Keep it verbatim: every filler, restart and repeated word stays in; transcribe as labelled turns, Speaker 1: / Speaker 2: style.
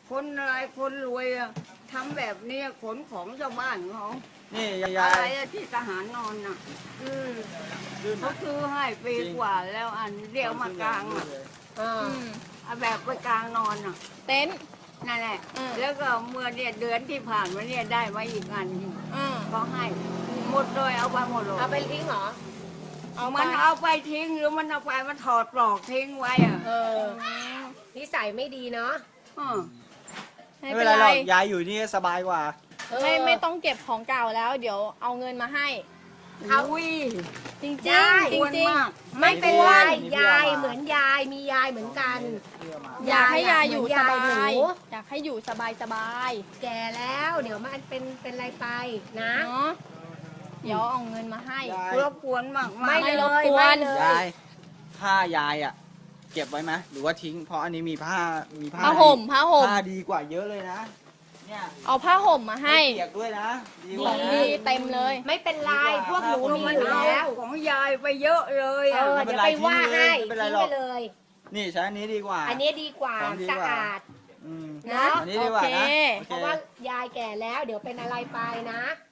Speaker 1: คนอะไรคนรวยอะทำแบบนี้ขนของชาวบ้านเขา
Speaker 2: นี่ยา
Speaker 1: อะไร
Speaker 2: ย
Speaker 1: อะที่ทหารนอนน่ะ
Speaker 3: อืม
Speaker 2: ลื่น
Speaker 1: เขาซื้อให้ปีกว่าแล้วอันเรียกมากลางอะ
Speaker 3: เออ
Speaker 4: อืม
Speaker 1: เอาแบบไปกลางนอนอ่ะ
Speaker 4: เต็นท์
Speaker 1: นั่นแหละ
Speaker 4: อืม
Speaker 1: แล้วก็เมื่อเนี่ยเดือนที่ผ่านมาเนี่ยได้มาอีกอันหนึ่ง
Speaker 4: อืม
Speaker 1: ก็ให้หมดเลยเอาไปหมดเลย
Speaker 3: เอาไปทิ้งเหรอ
Speaker 4: เอา
Speaker 1: มัน
Speaker 4: มา
Speaker 1: เอาไปทิ้งหรือมันเอาไปมันถอดปลอกทิ้งไว้อ่ะ
Speaker 3: เออนิสัยไม่ดีเนาะ
Speaker 1: เออ
Speaker 4: ไม่
Speaker 2: ไม่
Speaker 4: เป็
Speaker 2: เป็น นไร
Speaker 4: ไร
Speaker 2: หรอกยายอยู่นี่สบายกว่า
Speaker 3: เออ
Speaker 4: ไม่ไม่ต้องเก็บของเก่าแล้ว เดี๋ยวเอาเงินมาให้
Speaker 3: เอา
Speaker 1: อุ้ย
Speaker 4: จริงจ
Speaker 3: ได้
Speaker 4: ริง
Speaker 1: ควร
Speaker 4: จริง
Speaker 1: มาก
Speaker 3: ไม่เป็นไร
Speaker 2: มีเพื่อน
Speaker 3: ยายเหมือนยายมียายเหมือนกัน
Speaker 4: อยากให้ยายอยู่
Speaker 3: เหมือน
Speaker 4: ส
Speaker 3: ยาย
Speaker 4: บา
Speaker 3: หนู
Speaker 4: ย อยากให้อยู่สบายสบาย
Speaker 3: แก่แล้วเดี๋ยวมันเป็นเป็นอะไรไปนะ
Speaker 4: เนาะเดี๋ยวเอาเงินมาให้
Speaker 2: ยาย
Speaker 1: รบกวนมากๆ
Speaker 3: ไม่
Speaker 4: ไม่
Speaker 3: เล
Speaker 4: รบ
Speaker 3: ย
Speaker 4: กวน
Speaker 3: ไม่เลย
Speaker 2: ยายผ้ายายอ่ะ เก็บไว้ไหมหรือว่าทิ้ง เพราะอันนี้มีผ้ามีผ้า
Speaker 4: ผ้าห่มผ้าห่ม
Speaker 2: ผ้าดีกว่าเยอะเลยนะ เนี่ย
Speaker 4: เอาผ้าห่มมาให้
Speaker 2: ไม่เปียกด้วยนะดีก
Speaker 4: ข
Speaker 2: ว่า
Speaker 4: อง
Speaker 2: นะ
Speaker 4: ดีเต็มเลย
Speaker 3: ไม่เป็นไรพวกหนู
Speaker 1: ก็
Speaker 3: มี
Speaker 1: มัน
Speaker 3: อยู่
Speaker 1: เอา
Speaker 3: แล้ว
Speaker 1: ของยายไปเยอะเลย
Speaker 3: เอ
Speaker 1: อ่ะ
Speaker 3: อ
Speaker 2: ไม่เป็
Speaker 3: เดี๋ย
Speaker 2: น
Speaker 3: ว
Speaker 2: ไร
Speaker 3: ไปว่า
Speaker 2: ทิ้
Speaker 3: ให้
Speaker 2: งเลยไม่เป็นไร
Speaker 3: ทิ้ง
Speaker 2: หร
Speaker 3: ไป
Speaker 2: อก
Speaker 3: เลย
Speaker 2: นี่ใช้อันนี้ดีกว่า
Speaker 3: อันนี้ดีกว่า
Speaker 2: ของดี
Speaker 3: สะ
Speaker 2: กว่า
Speaker 3: อาด
Speaker 2: อืม
Speaker 3: นะ
Speaker 2: อันนี้ดีกว่านะ
Speaker 4: โอเค
Speaker 2: โอ
Speaker 3: เพราะว่ายายแก่แล้วเดี๋ยวเป็นอะไรไปนะ